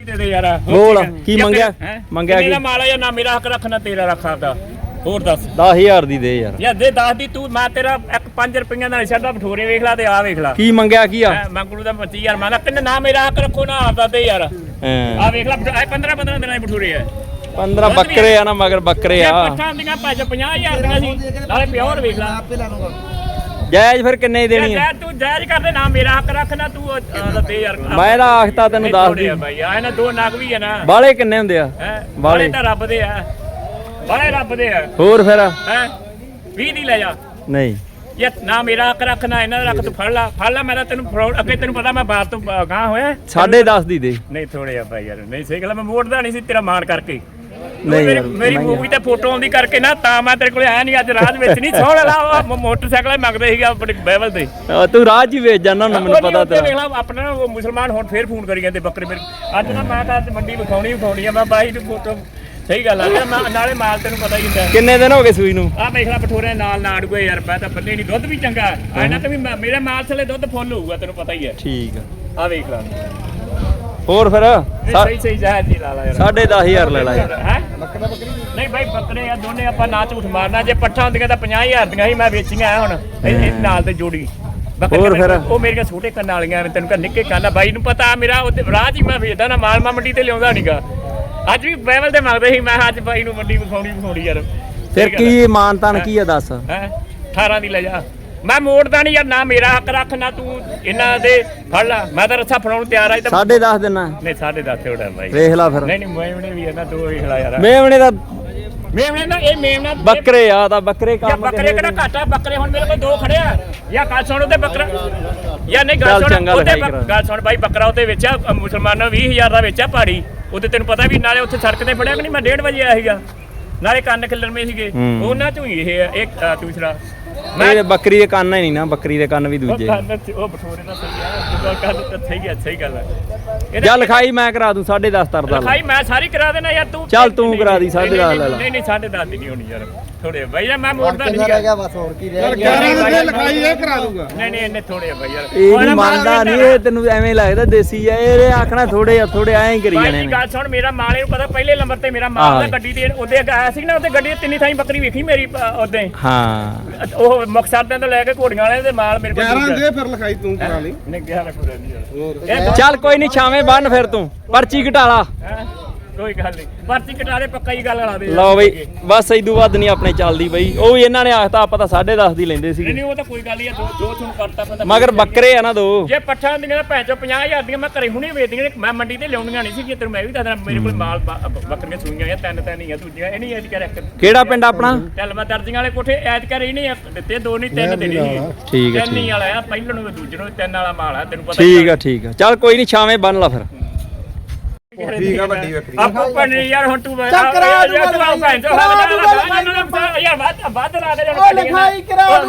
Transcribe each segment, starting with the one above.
ਦੇ ਦੇ ਯਾਰ ਬੋਲ ਕੀ ਮੰਗਿਆ ਕੀ ਮਾਲਾ ਜਾਂ ਨਾ ਮੇਰਾ ਹੱਕ ਰੱਖਣਾ ਤੇਰਾ ਰੱਖਾ ਦਾ ਹੋਰ ਦੱਸ 10000 ਦੀ ਦੇ ਯਾਰ ਯਾਰ ਦੇ 10 ਦੀ ਤੂੰ ਮੈਂ ਤੇਰਾ 5 ਰੁਪਈਆ ਨਾਲ ਛੱਡਦਾ ਭਠੋਰੇ ਵੇਖ ਲਾ ਤੇ ਆ ਵੇਖ ਲਾ ਕੀ ਮੰਗਿਆ ਕੀ ਆ ਮੰਗਲੂ ਦਾ 25000 ਮੈਂ ਕਿੰਨੇ ਨਾ ਮੇਰਾ ਹੱਕ ਰੱਖੋ ਨਾ ਆਪਦਾ ਦੇ ਯਾਰ ਆ ਵੇਖ ਲਾ 15 ਦਿਨਾਂ ਦੇ ਭਠੋਰੇ ਆ 15 ਬੱਕਰੇ ਆ ਨਾ ਮਗਰ ਬੱਕਰੇ ਆ ਪੱਠਾਂ ਦੀਆਂ 50000 ਦੀਆਂ ਸੀ ਨਾਲੇ ਪਿਓਰ ਵੇਖ ਲਾ ਜਾਇਜ਼ ਫਿਰ ਕਿੰਨੇ ਦੀ ਦੇਣੀ ਆ ਤੂੰ ਜਾਇਜ਼ ਕਰਦੇ ਨਾ ਮੇਰਾ ਹੱਕ ਰੱਖ ਨਾ ਤੂੰ ਦੇ ਯਾਰ ਮੈਂ ਤਾਂ ਆਖਤਾ ਤੈਨੂੰ ਦੱਸ ਦੀ ਬਾਈ ਆ ਇਹਨਾਂ ਦੋ ਨਗ ਵੀ ਆ ਨਾ ਬਾਲੇ ਕਿੰਨੇ ਹੁੰਦੇ ਆ ਬਾਲੇ ਤਾਂ ਰੱਬ ਦੇ ਆ ਬਾਲੇ ਰੱਬ ਦੇ ਆ ਹੋਰ ਫਿਰ ਹੈ 20 ਦੀ ਲੈ ਜਾ ਨਹੀਂ ਯਾਰ ਨਾ ਮੇਰਾ ਹੱਕ ਰੱਖ ਨਾ ਇਹਨਾਂ ਦਾ ਰੱਖ ਤੂੰ ਫੜ ਲੈ ਮੈਂ ਤਾਂ ਤੈਨੂੰ ਫਰਾਡ ਅੱਗੇ ਤੈਨੂੰ ਪਤਾ ਮੈਂ ਬਾਤ ਤੋਂ ਗਾਂ ਹੋਇਆ 10.5 ਦੀ ਦੇ ਨਹੀਂ ਥੋੜੇ ਆ ਬਾਈ ਯਾਰ ਨਹੀਂ ਸਹੀ ਗੱਲ ਮੈਂ ਮੋੜਦਾ ਨਹੀਂ ਸੀ ਤੇਰਾ ਮਾਣ ਕਰਕੇ ਨਹੀਂ ਮੇਰੀ ਮੂਵੀ ਤੇ ਫੋਟੋ ਆਉਂਦੀ ਕਰਕੇ ਨਾ ਤਾਂ ਮੈਂ ਤੇਰੇ ਕੋਲ ਆਇਆ ਨਹੀਂ ਅੱਜ ਰਾਜ ਵਿੱਚ ਨਹੀਂ ਸੋਹਣ ਲਾ ਮੋਟਰਸਾਈਕਲ ਮੰਗਦੇ ਸੀਗਾ ਆਪਣੇ ਬੈਵਲ ਤੇ ਤੂੰ ਰਾਜ ਹੀ ਵੇਚ ਜਾਣਾ ਮੈਨੂੰ ਪਤਾ ਤੇਰਾ ਆਪਣਾ ਉਹ ਮੁਸਲਮਾਨ ਹੁਣ ਫੇਰ ਫੋਨ ਕਰੀ ਜਾਂਦੇ ਬੱਕਰੇ ਮੇਰੇ ਅੱਜ ਨਾ ਮੈਂ ਤਾਂ ਮੰਡੀ ਵਿਖਾਉਣੀ ਆ ਮੈਂ ਬਾਈ ਨੂੰ ਫੋਟੋ ਸਹੀ ਗੱਲ ਆ ਨਾਲੇ ਮਾਲ ਤੈਨੂੰ ਪਤਾ ਹੀ ਹੁੰਦਾ ਕਿੰਨੇ ਦਿਨ ਹੋ ਗਏ ਸੂਈ ਨੂੰ ਆ ਵੇਖ ਲੈ ਭਠੋਰੇ ਨਾਲ ਨਾੜ ਗਏ ਯਾਰ ਮੈਂ ਤਾਂ ਬੰਨੇ ਨਹੀਂ ਦੁੱਧ ਵੀ ਚੰਗਾ ਇਹਨਾਂ ਤੇ ਵੀ ਮੇਰੇ ਮਾਲ ਥੱਲੇ ਦੁੱਧ ਫੁੱਲ ਹੋਊਗਾ ਤੈਨੂੰ ਪਤਾ ਹੀ ਹੈ ਠੀਕ ਆ ਵੇਖ ਲੈ ਹੋਰ ਫਿਰ ਸਹੀ ਜਾਇਜ਼ ਦੀ ਲਾ ਲਾ ਯਾਰ 10.5 ਲੈ ਲਾ ਯਾਰ ਹੈ ਬੱਕਰੀ ਨਹੀਂ ਬਾਈ ਬੱਕਰੇ ਆ ਦੋਨੇ ਆਪਾਂ ਨਾ ਝੂਠ ਮਾਰਨਾ ਜੇ ਪੱਠਾਂ ਹੁੰਦੀਆਂ ਤਾਂ 50000 ਦੀਆਂ ਸੀ ਮੈਂ ਵੇਚੀਆਂ ਆ ਹੁਣ ਇਹ ਨਾਲ ਤੇ ਜੋੜੀ ਹੋਰ ਫਿਰ ਉਹ ਮੇਰੀਆਂ ਛੋਟੇ ਕੰਨ ਵਾਲੀਆਂ ਤੈਨੂੰ ਕਹ ਨਿੱਕੇ ਕੰਨ ਬਾਈ ਨੂੰ ਪਤਾ ਮੇਰਾ ਉਹ ਰਾਹ ਹੀ ਮੈਂ ਵੇਚਦਾ ਨਾ ਮਾਲ ਮੰਡੀ ਤੇ ਲਿਆਉਂਦਾ ਨਹੀਂਗਾ ਅੱਜ ਵੀ ਬੈਵਲ ਤੇ ਮੰਗਦੇ ਸੀ ਮੈਂ ਅੱਜ ਬਾਈ ਨੂੰ ਮੰਡੀ ਵਿਖਾਉਣੀ ਯਾਰ ਫਿਰ ਕੀ ਮਾਨਤਾਨ ਕੀ ਆ ਦੱਸ ਹੈ 18 ਦੀ ਲੈ ਜਾ ਮੈਂ ਮੋੜਦਾ ਨਹੀਂ ਯਾਰ ਨਾ ਮੇਰਾ ਹੱਕ ਰੱਖ ਨਾ ਤੂੰ ਇਹਨਾਂ ਦੇ ਫੜ ਲੈ ਮੈਂ ਤਾਂ ਰੱਸਾ ਫੜਾਉਣ ਤਿਆਰ ਆ 10.5 ਦੇਣਾ ਨਹੀਂ 10.5 ਥੋੜਾ ਬਾਈ ਵੇਖ ਲੈ ਫਿਰ ਨਹੀਂ ਮੇਵਣੇ ਵੀ ਇਹਨਾਂ ਦੋ ਵੇਖ ਲੈ ਯਾਰ ਮੇਵਣੇ ਦਾ ਮੇਵਣੇ ਨਾ ਇਹ ਮੇਵਣਾ ਬੱਕਰੇ ਆ ਤਾਂ ਬੱਕਰੇ ਕੰਮ ਬੱਕਰੇ ਕਿਹੜਾ ਘਾਟਾ ਬੱਕਰੇ ਹੁਣ ਮੇਰੇ ਕੋਲ ਦੋ ਖੜੇ ਆ ਜਾਂ ਗੱਲ ਸੁਣ ਉਹਦੇ ਬੱਕਰਾ ਜਾਂ ਨਹੀਂ ਗੱਲ ਸੁਣ ਉਹਦੇ ਗੱਲ ਸੁਣ ਬਾਈ ਬੱਕਰਾ ਉਹਦੇ ਵਿੱਚ ਮੁਸਲਮਾਨਾਂ 20000 ਦਾ ਵੇਚਿਆ ਪਹਾੜੀ ਉਹਦੇ ਤੈਨੂੰ ਪਤਾ ਵੀ ਨਾਲੇ ਉੱਥੇ ਸੜਕ ਤੇ ਫੜਿਆ ਕਿ ਨਹੀਂ ਮੈਂ 1:30 ਵਜੇ ਆਇਆ ਸੀਗਾ ਨਾਲੇ ਕੰਨ ਖਿਲਰਵੇਂ ਸੀਗੇ ਉਹਨਾਂ ਚੋਂ ਹੀ ਇਹ ਇੱਕ ਦੂਸਰਾ ਮੈਂ ਬੱਕਰੀ ਦੇ ਕੰਨ ਹੀ ਨਹੀਂ ਨਾ ਬੱਕਰੀ ਦੇ ਕੰਨ ਵੀ ਦੂਜੇ ਉਹ ਬਠੋਰੇ ਦਾ ਸਹੀ ਆ ਕੰਨ ਸਹੀ ਗੱਲ ਹੈ ਜਾਂ ਲਿਖਾਈ ਮੈਂ ਕਰਾ ਦੂੰ 10.5 ਤਰਦਾ ਲਿਖਾਈ ਮੈਂ ਸਾਰੀ ਕਰਾ ਦੇਣਾ ਯਾਰ ਤੂੰ ਚੱਲ ਤੂੰ ਕਰਾ ਦੀ 10.5 ਲੈ ਲੈ ਨਹੀਂ 10.5 ਦੀ ਨਹੀਂ ਹੋਣੀ ਯਾਰ ਥੋੜੇ ਬਾਈ ਯਾਰ ਮੈਂ ਮੋੜਦਾ ਨਹੀਂ ਰਹਿ ਗਿਆ ਬਸ ਹੋਰ ਕੀ ਰਹਿ ਗਿਆ 11 ਦੀ ਲਿਖਾਈ ਇਹ ਕਰਾ ਦੂੰਗਾ ਨਹੀਂ ਇੰਨੇ ਥੋੜੇ ਆ ਬਾਈ ਯਾਰ ਇਹ ਨਹੀਂ ਮੰਨਦਾ ਨਹੀਂ ਇਹ ਤੈਨੂੰ ਐਵੇਂ ਲੱਗਦਾ ਦੇਸੀ ਆ ਇਹ ਆਖਣਾ ਥੋੜੇ ਐਂ ਹੀ ਕਰੀ ਜਾਣੇ ਨੇ ਗੱਲ ਸੁਣ ਮੇਰਾ ਮਾਲ ਇਹਨੂੰ ਪਤਾ ਪਹਿਲੇ ਨੰਬਰ ਤੇ ਮੇਰਾ ਮਾਲ ਦਾ ਗੱਡੀ ਤੇ ਉਹਦੇ ਆਇਆ ਸੀ ਨਾ ਉਹਦੇ ਗੱਡੀ ਤੇ ਤਿੰਨੀ ਥਾਈ ਬੱਕਰੀ ਵੇਖੀ ਮੇਰੀ ਉਹਦੇ ਹਾਂ ਉਹ ਮਕਸਦ ਤੋਂ ਲੈ ਕੇ ਘੋੜੀਆਂ ਵਾਲੇ ਦੇ ਮਾਲ ਮੇਰੇ ਕੋਲ 11 ਦੇ ਫਿਰ ਲਿਖਾਈ ਤੂੰ ਕਰਾ ਲਈ ਨਹੀਂ 11 ਪੂਰਾ ਨਹੀਂ ਯਾਰ ਚੱਲ ਕੋਈ ਨਹੀਂ ਛਾਵੇਂ ਬੰਨ ਫਿਰ ਤੂੰ ਪਰਚੀ ਘਟਾ ਲਾ ਕੋਈ ਗੱਲ ਨਹੀਂ ਪਰਚੀ ਕਟਾ ਦੇ ਪੱਕਾ ਹੀ ਗੱਲ ਲਾ ਦੇ ਲਓ ਬਈ ਬਸ ਇਦੋਂ ਵੱਧ ਨਹੀਂ ਆਪਣੇ ਚੱਲਦੀ ਬਈ ਉਹ ਵੀ ਇਹਨਾਂ ਨੇ ਆਖਤਾ ਆਪਾਂ ਤਾਂ 10.5 ਦੀ ਲੈਂਦੇ ਸੀਗੇ ਨਹੀਂ ਉਹ ਤਾਂ ਕੋਈ ਗੱਲ ਨਹੀਂ ਦੋ ਤੁਹਾਨੂੰ ਕਰਤਾ ਪਤਾ ਮਗਰ ਬੱਕਰੇ ਆ ਨਾ ਦੋ ਜੇ ਪੱਠਾਂ ਦੀਆਂ ਭੈਣ ਚੋ 50000 ਦੀਆਂ ਮੈਂ ਘਰੇ ਹੁਣੇ ਵੇਚਦੀਆਂ ਮੈਂ ਮੰਡੀ ਤੇ ਲਿਆਉਣੀਆਂ ਨਹੀਂ ਸੀ ਤੈਨੂੰ ਮੈਂ ਵੀ ਦੱਸਦਾ ਮੇਰੇ ਕੋਲ ਮਾਲ ਬੱਕਰੀਆਂ ਸੂਈਆਂ ਆ ਤਿੰਨ ਹੀ ਆ ਦੂਜੀਆਂ ਇਹ ਨਹੀਂ ਐਡ ਕਰ ਇੱਕ ਕਿਹੜਾ ਪਿੰਡ ਆਪਣਾ ਚੱਲ ਮੈਂ ਦਰਜੀਆਂ ਵਾਲੇ ਕੋਠੇ ਐਡ ਕਰ ਹੀ ਨਹੀਂ ਦਿੱਤੇ ਦੋ ਨਹੀਂ ਤਿੰਨ ਦੇਣੀ ਸੀ ਠੀਕ ਹੈ ਤਿੰਨ ਹੀ ਵਾਲਾ ਆ ਪਹਿਲਾਂ ਨੂੰ ਦੂਜੇ ਨੂੰ ਤਿੰਨ ਵਾਲਾ ਮਾਲ ਆ ਤੈਨੂੰ ਪਤਾ ਠੀਕ ਆ ਚੱਲ ਕੋਈ ਨਹੀਂ ਛਾਵੇਂ ਬੰਨ ਲਾ ਫਿਰ ਠੀਕ ਆ ਵੱਡੀ ਬੱਕਰੀ ਆਪਾਂ ਪਣੀ ਯਾਰ ਹੁਣ ਤੂੰ ਚੱਕਰਾ ਭੈਣ ਚੋ ਯਾਰ ਵੱਧ ਲਾ ਦੇ ਉਹ ਲਿਖਾਈ ਕਰਾ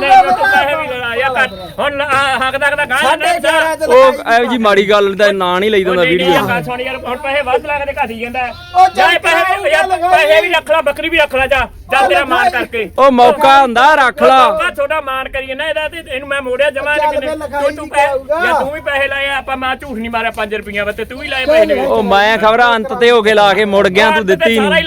ਦੂੰਗਾ ਹੁਣ ਹੱਕ ਦਾ ਗਾਂ ਉਹ ਐ ਜੀ ਮਾੜੀ ਗੱਲ ਦਾ ਨਾਂ ਨਹੀਂ ਲਈਦਾ ਹੁੰਦਾ ਵੀਡੀਓ ਸੁਣ ਯਾਰ ਹੁਣ ਪੈਸੇ ਵੱਧ ਲਾ ਕੇ ਘਾਟੀ ਜਾਂਦਾ ਜਾ ਪੈਸੇ ਵੀ ਰੱਖ ਲੈ ਬੱਕਰੀ ਵੀ ਰੱਖ ਲੈ ਜਾ ਤੇਰਾ ਮਾਨ ਕਰਕੇ ਉਹ ਮੌਕਾ ਹੁੰਦਾ ਰੱਖ ਲਾ ਛੋਟਾ ਮਾਨ ਕਰੀਏ ਨਾ ਇਹਦਾ ਤੇ ਇਹਨੂੰ ਮੈਂ ਮੋੜਿਆ ਜਮਾ ਤੂੰ ਵੀ ਪੈਸੇ ਲਾਏ ਆਪਾਂ ਮੈਂ ਝੂਠ ਨਹੀਂ ਮਾਰਿਆ 5 ਰੁਪਈਆ ਤੇ ਤੂੰ ਵੀ ਲਾਏ ਪੈਸੇ ਉਹ ਮੈਂ ਖਬਰਾਂ ਅੰਤ ਤੇ ਹੋ ਕੇ ਲਾ ਕੇ ਮੁੜ ਗਿਆ ਤੂੰ ਦਿੱਤੀ ਨਹੀਂ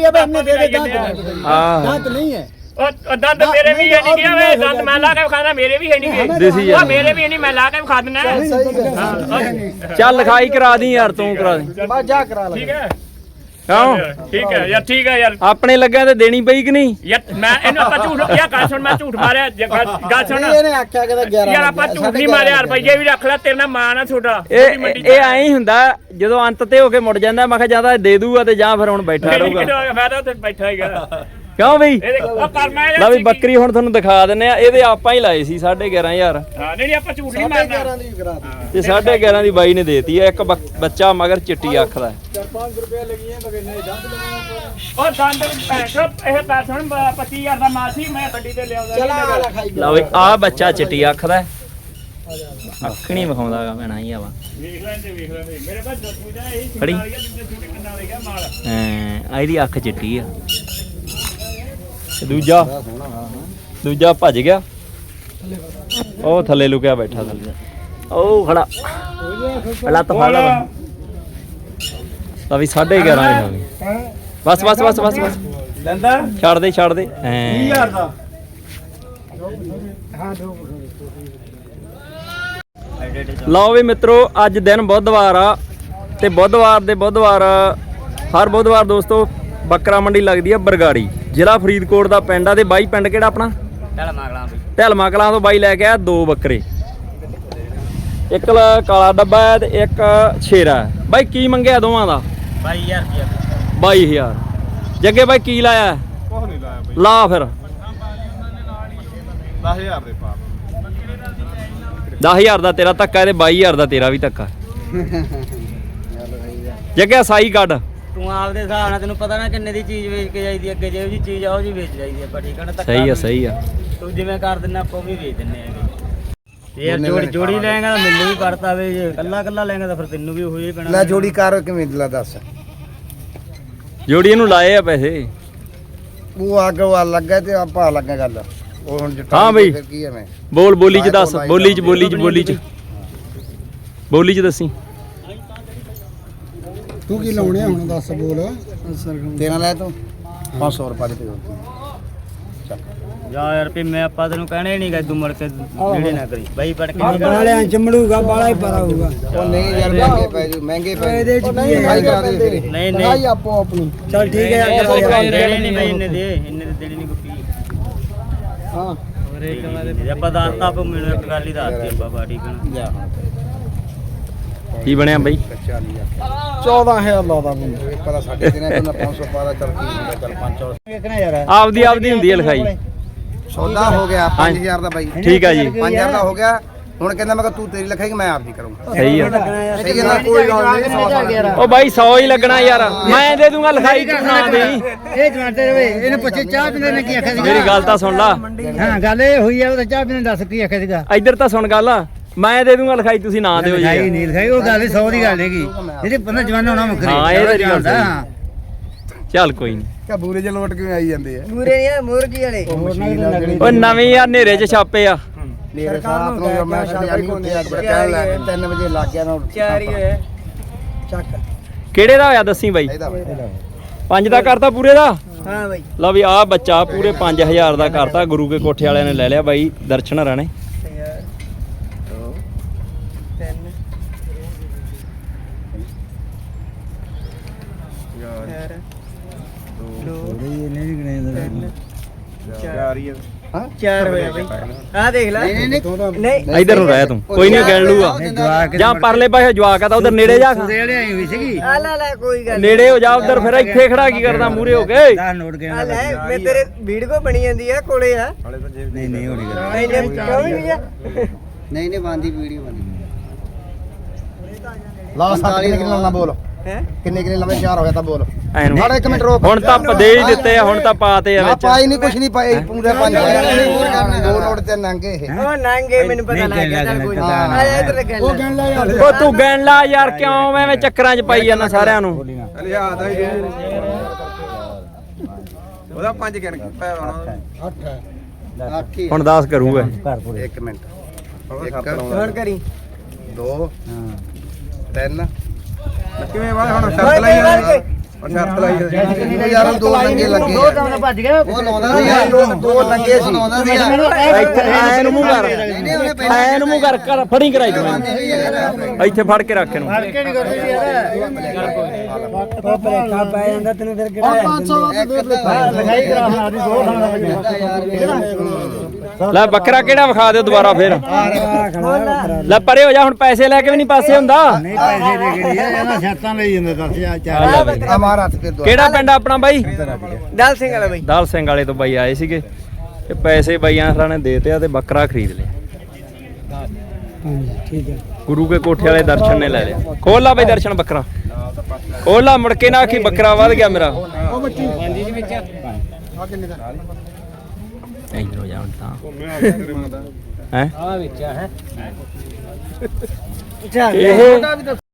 ਦੰਦ ਨਹੀਂ ਹੈ ਉਹ ਦੰਦ ਮੇਰੇ ਵੀ ਹੈ ਨਹੀਂ ਗਿਆ ਵੇ ਦੰਦ ਮੈਂ ਲਾ ਕੇ ਵਿਖਾਦਾ ਮੇਰੇ ਵੀ ਹੈ ਨਹੀਂ ਦਿਸੀ ਉਹ ਮੇਰੇ ਵੀ ਨਹੀਂ ਮੈਂ ਲਾ ਕੇ ਵਿਖਾ ਦਿੰਦਾ ਚੱਲ ਲਿਖਾਈ ਕਰਾ ਦੀ ਯਾਰ ਤੂੰ ਕਰਾ ਦੇ ਬਸ ਜਾ ਕਰਾ ਲੈ ਠੀਕ ਹੈ ਕਿਉਂ ਠੀਕ ਹੈ ਯਾਰ ਆਪਣੇ ਲੱਗਿਆ ਤੇ ਦੇਣੀ ਪਈ ਕਿ ਨਹੀਂ ਯਾਰ ਮੈਂ ਇਹਨੂੰ ਆਪਾਂ ਝੂਠ ਕਿਹਾ ਗੱਲ ਸੁਣ ਮੈਂ ਝੂਠ ਮਾਰਿਆ ਗੱਲ ਸੁਣ ਇਹਨੇ ਆਖਿਆ ਕਿ 11 ਯਾਰ ਆਪਾਂ ਝੂਠ ਨਹੀਂ ਮਾਰਿਆ ਰੁਪਈਏ ਵੀ ਰੱਖ ਲੈ ਤੇਰੇ ਨਾਲ ਮਾਣ ਆ ਛੋਟਾ ਇਹ ਐਂ ਹੀ ਹੁੰਦਾ ਜਦੋਂ ਅੰਤ ਤੇ ਹੋ ਕੇ ਮੁੜ ਜਾਂਦਾ ਮੈਂ ਕਿਹਾ ਜਾਂ ਤਾਂ ਦੇ ਦੂਗਾ ਤੇ ਜਾਂ ਫਿਰ ਹੁਣ ਬੈਠਾ ਰਹੂਗਾ ਮੈਂ ਤਾਂ ਉੱਥੇ ਬੈਠਾ ਹੀਗਾ ਕਿਉਂ ਬਈ ਉਹ ਕਰਮਾ ਲੈ ਵੀ ਬੱਕਰੀ ਹੁਣ ਤੁਹਾਨੂੰ ਦਿਖਾ ਦਿੰਨੇ ਆ ਇਹਦੇ ਆਪਾਂ ਹੀ ਲਾਏ ਸੀ 11500 ਹਾਂ ਨਹੀਂ ਆਪਾਂ ਝੂਠ ਨਹੀਂ ਮਾਰਨਾ 11 ਦੀ ਕਰਾ ਤੇ 11500 ਦੀ ਬਾਈ ਨੇ ਦੇਤੀ ਆ ਇੱਕ ਬੱਚਾ ਮਗਰ ਚਿੱਟੀ ਅੱਖ ਦਾ 4-5 ਰੁਪਏ ਲੱਗੀਆਂ ਬਗਨੇ ਦੰਦ ਲਗਾਉਣਾ ਉਹ ਦੰਦ ਪੈਸਾ ਇਹ ਪੈਸਾ ਹੁਣ 25000 ਦਾ ਮਾਲ ਸੀ ਮੈਂ ਗੱਡੀ ਤੇ ਲਿਆਉਂਦਾ ਚਲਾ ਲਿਖਾਈ ਲਓ ਵੀ ਆ ਬੱਚਾ ਚਿੱਟੀ ਅੱਖ ਦਾ ਅੱਖ ਨਹੀਂ ਵਿਖਾਉਂਦਾਗਾ ਮੈਨਾਂ ਹੀ ਆਵਾ ਵੇਖ ਲੈਂਦੇ ਮੇਰੇ ਕੋਲ ਦੂਜਾ ਇਹ ਖੜੀ ਛੋਟੇ ਕੰਨਾਂ ਵਾਲੇ ਮਾਲ ਹਾਂ ਇਹਦੀ ਅੱਖ ਚਿੱਟੀ ਆ ਦੂਜਾ ਭੱਜ ਗਿਆ ਉਹ ਥੱਲੇ ਲੁਕਿਆ ਬੈਠਾ ਥੱਲੇ ਉਹ ਖੜਾ ਲੱਤ ਫੜ ਲਾ ਤਾਂ ਵੀ 11.5 ਦੀ ਹੋ ਗਈ ਬਸ ਬਸ ਬਸ ਬਸ ਬਸ ਲੈਂਦਾ ਛੱਡ ਦੇ ਐਂ 20000 ਦਾ ਲਓ ਵੀ ਮਿੱਤਰੋ ਅੱਜ ਦਿਨ ਬੁੱਧਵਾਰ ਆ ਤੇ ਬੁੱਧਵਾਰ ਹਰ ਬੁੱਧਵਾਰ ਦੋਸਤੋ ਬੱਕਰਾ ਮੰਡੀ ਲੱਗਦੀ ਆ ਬਰਗਾੜੀ ਜ਼ਿਲ੍ਹਾ ਫਰੀਦਕੋਟ ਦਾ ਪਿੰਡ ਆ ਤੇ ਬਾਈ ਪਿੰਡ ਕਿਹੜਾ ਆਪਣਾ ਢਲਮਾ ਕਲਾਂ ਤੋਂ ਬਾਈ ਲੈ ਕੇ ਆਇਆ 2 ਬੱਕਰੇ ਇੱਕ ਕਾਲਾ ਡੱਬਾ ਹੈ ਤੇ ਇੱਕ ਸ਼ੇਰਾ ਹੈ ਬਾਈ ਕੀ ਮੰਗਿਆ ਦੋਵਾਂ ਦਾ 22000 ਜੱਗੇ ਬਾਈ ਕੀ ਲਾਇਆ ਕੁਝ ਨਹੀਂ ਲਾਇਆ ਬਈ ਲਾ ਫਿਰ 10000 ਦੇ ਪਾ 10000 ਦਾ ਤੇਰਾ ਧੱਕਾ ਤੇ 22000 ਦਾ ਤੇਰਾ ਵੀ ਧੱਕਾ ਜੱਗੇ ਸਾਈ ਕੱਢ ਤੂੰ ਆਪਦੇ ਹਿਸਾਬ ਨਾਲ ਤੈਨੂੰ ਪਤਾ ਨਾ ਕਿੰਨੇ ਦੀ ਚੀਜ਼ ਵੇਚ ਕੇ ਜਾਈਦੀ ਅੱਗੇ ਜਿਹੋ ਜੀ ਚੀਜ਼ ਆ ਉਹ ਜੀ ਵੇਚ ਜਾਈਦੀ ਆਪਾਂ ਠੀਕ ਆ ਨਾ ਧੱਕਾ ਸਹੀ ਆ ਤੂੰ ਜਿਵੇਂ ਕਰ ਦਿੰਦਾ ਆਪਾਂ ਵੀ ਵੇਚ ਦਿੰਨੇ ਹੈਗੇ ਯਾਰ ਜੋੜੀ ਲੈਂਗਾ ਤਾਂ ਮੈਨੂੰ ਵੀ ਪੜਤਾ ਵੇ ਜੇ ਕੱਲਾ ਲੈਂਗਾ ਤਾਂ ਫਿਰ ਤੈਨੂੰ ਵੀ ਉਹੀ ਪੈਣਾ ਲੈ ਜੋੜੀ ਕਰ ਕਿਵੇਂ ਦਿਲਾ ਦੱਸ ਜੋੜੀ ਇਹਨੂੰ ਲਾਏ ਆ ਪੈਸੇ ਉਹ ਅੱਗ ਵਾ ਲੱਗਾ ਤੇ ਆਪਾਂ ਲੱਗਾ ਗੱਲ ਉਹ ਹੁਣ ਜੱਟਾਂ ਹਾਂ ਬਈ। ਫਿਰ ਕੀ ਹੈ ਮੈਂ ਬੋਲੀ ਚ ਦੱਸ ਬੋਲੀ ਚ ਦੱਸੀ ਤੂੰ ਕੀ ਲਾਉਣੇ ਹੁਣ ਦੱਸ ਬੋਲ ਤੇਰਾ ਲੈ ਤੂੰ 500 ਰੁਪਏ ਦੇ ਜਾ ਯਾਰ ਵੀ ਮੈਂ ਆਪਾਂ ਤੈਨੂੰ ਕਹਿਣੇ ਨਹੀਂ ਗਾ ਤੂੰ ਮੁੜ ਕੇ ਜਿਹੜੇ ਨਾ ਕਰੀ ਬਾਈ ਪੜ ਕੇ ਬਾਲਿਆਂ ਚਮੜੂਗਾ ਬਾਲਾ ਹੀ ਪਰਾ ਹੋਊਗਾ ਉਹ ਨਹੀਂ ਯਾਰ ਮਹਿੰਗੇ ਪੈ ਜੂ ਮਹਿੰਗੇ ਪੈ ਇਹਦੇ ਚ ਕੀ ਹੈ ਕਰਾ ਦੇ ਫਿਰ ਨਹੀਂ ਨਹੀਂ ਆਪੋ ਆਪਣੀ ਚਲ ਠੀਕ ਹੈ ਦੇਣੇ ਨਹੀਂ ਬਾਈ ਇੰਨੇ ਦੇ ਦੇਣੇ ਨਹੀਂ ਕੋਈ ਹਾਂ ਜੇ ਆਪਾਂ ਦੱਸਤਾ ਆਪ ਮੈਨੂੰ ਇੱਕ ਗੱਲ ਹੀ ਦੱਸਦੀ ਆਪਾਂ ਬਾੜੀ ਕਣ ਕੀ ਬਣਿਆ ਬਾਈ 14000 ਲਾਦਾ ਮੈਨੂੰ ਪਤਾ ਸਾਡੇ ਦਿਨਾਂ ਕੋਲ 500 ਪਾਦਾ ਚੱਲ ਕੀ ਹੁੰਦਾ ਚੱਲ 500 ਕਿਹਨਾਂ ਯਾਰ ਆਪਦੀ ਹੁੰਦੀ ਹੈ ਲਿਖਾਈ ਸੌਦਾ ਹੋ ਗਿਆ 5000 ਦਾ ਬਾਈ ਠੀਕ ਆ ਜੀ 5000 ਦਾ ਹੋ ਗਿਆ ਹੁਣ ਕਹਿੰਦਾ ਮੈਂ ਕਿ ਤੂੰ ਤੇਰੀ ਲਿਖਾਈ ਮੈਂ ਆਪਦੀ ਕਰੂੰਗਾ ਸਹੀ ਆ ਸਹੀ ਹੈ ਨਾ ਕੋਈ ਗੱਲ ਨਹੀਂ ਉਹ ਬਾਈ 100 ਹੀ ਲੱਗਣਾ ਯਾਰ ਮੈਂ ਦੇ ਦੂੰਗਾ ਲਿਖਾਈ ਤੂੰ ਨਾ ਦੇ ਇਹ ਜਮਾਤੇ ਰਵੇ ਇਹਨੇ ਪੁੱਛੇ ਚਾਹ ਪੀਂਦੇ ਨੇ ਕੀ ਆਖਿਆ ਸੀਗਾ ਮੇਰੀ ਗੱਲ ਤਾਂ ਸੁਣ ਲਾ ਹਾਂ ਗੱਲ ਇਹ ਹੋਈ ਆ ਉਹ ਚਾਹ ਪੀਂਦੇ ਦੱਸ ਕੀ ਆਖਿਆ ਸੀਗਾ ਇੱਧਰ ਤਾਂ ਸੁਣ ਗੱਲ ਮੈਂ ਦੇ ਦੂੰਗਾ ਲਿਖਾਈ ਤੁਸੀਂ ਨਾ ਦਿਓ ਲਿਖਾਈ ਜੀ ਨਹੀਂ ਲਿਖਾਈ ਉਹ ਗੱਲ 100 ਦੀ ਗੱਲ ਹੈਗੀ ਜਿਹੜੀ ਬੰਦਾ ਜਵਾਨਾ ਹੋਣਾ ਮੁੱਕਰੀ ਹਾਂ, ਇਹ ਤੇਰੀ ਗੱਲ ਸਹੀ। ਚੱਲ ਕੋਈ ਨਹੀਂ ਕਾ ਬੂਰੇ ਚ ਲੋਟ ਕਿਵੇਂ ਆਈ ਜਾਂਦੇ ਆ ਪੂਰੇ ਨਹੀਂ ਮੁਰਗੀ ਵਾਲੇ ਉਹ ਨਵੇਂ ਯਾਰ ਹਨੇਰੇ 'ਚ ਛਾਪੇ ਆ ਮੇਰੇ ਸਾਥ ਨੂੰ ਮੈਂ ਸ਼ਾਦੀ ਉੱਤੇ ਅੱਜ ਕਹਿਣ ਲੱਗ 3 ਵਜੇ ਲੱਗ ਗਿਆ ਨਾ 4 ਹੀ ਹੋਏ ਚੱਕ ਕਿਹੜੇ ਦਾ ਹੋਇਆ ਦੱਸੀ ਬਾਈ ਇਹਦਾ 5 ਦਾ ਕਰਤਾ ਪੂਰੇ ਦਾ ਹਾਂ ਬਾਈ ਲਓ ਵੀ ਆਹ ਬੱਚਾ ਪੂਰੇ 5000 ਦਾ ਕਰਤਾ ਗੁਰੂ ਕੇ ਕੋਠੇ ਵਾਲਿਆਂ ਨੇ ਲੈ ਲਿਆ ਬਾਈ ਦਰਸ਼ਨ ਰਾਣੇ ਚਾਰ ਹੋਇਆ ਬਾਈ ਆ ਦੇਖ ਲੈ ਨਹੀਂ ਇਧਰ ਨੂੰ ਰਹਿ ਤੂੰ ਕੋਈ ਨਹੀਂ ਗਿਣ ਲੂਗਾ ਜਾਂ ਪਰਲੇ ਪਾਸੇ ਜਵਾਕ ਆ ਤਾਂ ਉਧਰ ਨੇੜੇ ਜਾ ਦੇ ਆਈ ਹੋਈ ਸੀਗੀ ਆ ਲੈ ਕੋਈ ਗੱਲ ਨੇੜੇ ਹੋ ਜਾ ਉਧਰ ਫਿਰ ਇੱਥੇ ਖੜਾ ਕੀ ਕਰਦਾ ਮੂਰੇ ਹੋ ਕੇ 10 ਨੋਟ ਗਿਆ ਆ ਲੈ ਮੈਂ ਤੇਰੇ ਵੀਡੀਓ ਬਣੀ ਜਾਂਦੀ ਆ ਕੋਲੇ ਆ ਨਹੀਂ ਹੋਣੀ ਗੱਲ ਨਹੀਂ ਕਿਉਂ ਨਹੀਂ ਆ ਨਹੀਂ ਬੰਦੀ ਵੀਡੀਓ ਬੰਦੀ ਲਾ 7 ਕਿੰਨੇ ਲਾਉਣਾ ਬੋਲ ਹੈ ਕਿੰਨੇ ਲੰਮੇ 4 ਹੋ ਗਿਆ ਤਾਂ ਬੋਲ ਐਨੂੰ ਮਾੜਾ 1 ਮਿੰਟ ਰੋਕ ਹੁਣ ਤਾਂ ਦੇ ਹੀ ਦਿੱਤੇ ਆ ਹੁਣ ਤਾਂ ਪਾਤੇ ਆ ਨਾ ਵਿੱਚ ਪਾਈ ਨਹੀਂ ਕੁਛ ਨਹੀਂ ਪਾਈ ਪੂਰੇ 5 ਦੋ ਨੋਟ ਤੇ ਨੰਗੇ ਇਹ ਉਹ ਨੰਗੇ ਮੈਨੂੰ ਪਤਾ ਲੱਗ ਗਿਆ ਚੱਲ ਕੋਈ ਹਾਂ। ਆ ਜਾ ਇੱਧਰ ਗੱਲ ਉਹ ਗਣ ਲੈ ਉਹ ਤੂੰ ਗਿਣ ਲਾ ਯਾਰ ਕਿਉਂ ਐਵੇਂ ਚੱਕਰਾਂ 'ਚ ਪਾਈ ਜਾਂਦਾ ਸਾਰਿਆਂ ਨੂੰ ਲਿਆ ਦਾ ਉਹਦਾ 5 ਗਿਣ ਕੇ ਪੈ ਆਉਣਾ ਆਖੀ ਹੁਣ 10 ਕਰੂਗਾ 1 ਮਿੰਟ ਹੋਰ ਕਰੀ 2 3 ਕਿਵੇਂ ਵਾ ਹੁਣ ਸ਼ਰਤ ਲਾਈ ਜਾਂਦੇ ਹੁਣ ਸ਼ਰਤ ਲਾਈ ਜਾਂਦੇ ਯਾਰ ਦੋ ਲੰਗੇ ਲੱਗੇ ਦੋ ਦਮ ਭੱਜ ਗਿਆ ਉਹ ਲਾਉਂਦਾ ਸੀ ਦੋ ਲੰਗੇ ਸੀ ਲਾਉਂਦਾ ਸੀ ਇੱਥੇ ਐ ਨੂੰ ਮੂੰਹ ਕਰ ਐ ਨੂੰ ਮੂੰਹ ਕਰ ਫੜੀ ਕਰਾਈ ਤੂੰ ਇਹਨੂੰ। ਇੱਥੇ ਫੜ ਕੇ ਰੱਖ ਇਹਨੂੰ ਹਲਕੇ ਨਹੀਂ ਕਰਦੀ ਯਾਰ ਉਹ ਪਰੇਖਾ ਪੈ ਜਾਂਦਾ ਤੈਨੂੰ ਫਿਰ ਕਿਹੜਾ ਲਿਖਾਈ ਕਰਾ ਹੁਣ ਆਦੀ ਦੋ ਲੈ ਬੱਕਰਾ ਕਿਹੜਾ ਵਿਖਾ ਦਿਓ ਦੁਬਾਰਾ ਫਿਰ ਲੈ ਪਰੇ ਹੋ ਜਾ ਹੁਣ ਪੈਸੇ ਲੈ ਕੇ ਵੀ ਨਹੀਂ ਪਾਸੇ ਹੁੰਦਾ ਨਹੀਂ ਪੈਸੇ ਦੇ ਕੇ ਇਹਨਾਂ ਸ਼ਰਤਾਂ ਲਈ ਜਾਂਦੇ 10000 ਚਾਰ ਹਮਾਰਾ ਹੱਥ ਕੇ ਦੋ ਕਿਹੜਾ ਪਿੰਡ ਆ ਆਪਣਾ ਬਾਈ ਦਲ ਸਿੰਘ ਵਾਲਾ ਬਈ ਦਾਲ ਸਿੰਘ ਵਾਲੇ ਤੋਂ ਬਾਈ ਆਏ ਸੀਗੇ ਤੇ ਪੈਸੇ ਬਾਈਆਂ ਹਰਾਂ ਨੇ ਦੇਤੇ ਆ ਤੇ ਬੱਕਰਾ ਖਰੀਦ ਲਿਆ ਠੀਕ ਹੈ ਗੁਰੂ ਕੇ ਕੋਠੇ ਵਾਲੇ ਦਰਸ਼ਨ ਨੇ ਲੈ ਲਿਆ ਖੋਲ ਲਾ ਬਾਈ ਦਰਸ਼ਨ ਬੱਕਰਾ ਖੋਲ ਲਾ ਮੁੜ ਕੇ ਨਾ ਆਖੀ ਬੱਕਰਾ ਵੱਧ ਗਿਆ ਮੇਰਾ ਇੱਧਰ ਹੋ ਜਾ ਹੁਣ ਤਾਂ ਹੈ ਆ ਵਿੱਚ ਹੈ ਇਹ